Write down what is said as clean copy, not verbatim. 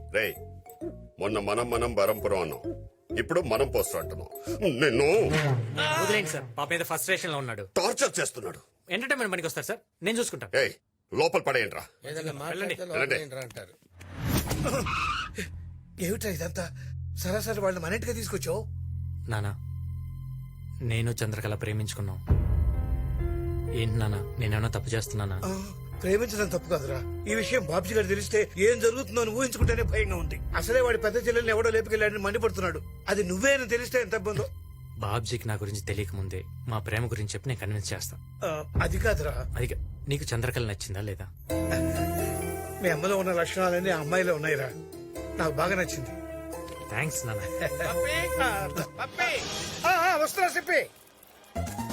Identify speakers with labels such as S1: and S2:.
S1: రేయ్ మొన్న మనం బరంపురం అన్నాం, ఇప్పుడు మనం పోస్టర్ అంటున్నాం. నిన్ను
S2: వదిలేండి సార్, పాప మీద ఫస్ట్ స్టేషన్ లో ఉన్నాడు.
S1: టార్చర్ చేస్తున్నాడు.
S2: ఎంటర్టైన్మెంట్ పనికి వస్తారు సార్, నేను చూసుకుంటాను.
S1: ఏయ్ లోపల పడేయండిరా.
S3: అంటారు. ఏమిట్రా ఇదంతా? సరాసరి వాళ్ళు మన ఇంటికి తీసుకొచ్చావు.
S2: నానా, నేను చంద్రకళ ప్రేమించుకున్నాం. ఏంటి నానా, నేనేమన్నా తప్పు చేస్తున్నానా?
S3: ప్రేమించడం తప్పు కాదురా. ఈ విషయం బాబ్జీ గారు తెలిస్తే ఏం జరుగుతుందో అని ఊహించుకుంటేనే భయంగా ఉంది. అసలే వాడి పెద్ద చెల్లెల్ని ఎవడో లేపుకెళ్ళాడని మండిపడుతున్నాడు. అది నువ్వే అని తెలిస్తే ఎంత ఇబ్బందో.
S2: బాబ్జీకి నా గురించి తెలియక ముందే మా ప్రేమ గురించి చెప్పి నేను కన్విన్స్ చేస్తాను.
S3: అది కాదురా.
S2: అది నీకు చంద్రకళ నచ్చిందా లేదా?
S3: మీ అమ్మలో ఉన్న లక్షణాలన్నీ ఆ అమ్మాయిలో ఉన్నాయిరా. నాకు బాగా నచ్చింది.
S2: థ్యాంక్స్ నాన్న.
S3: వస్తున్నా చెప్పి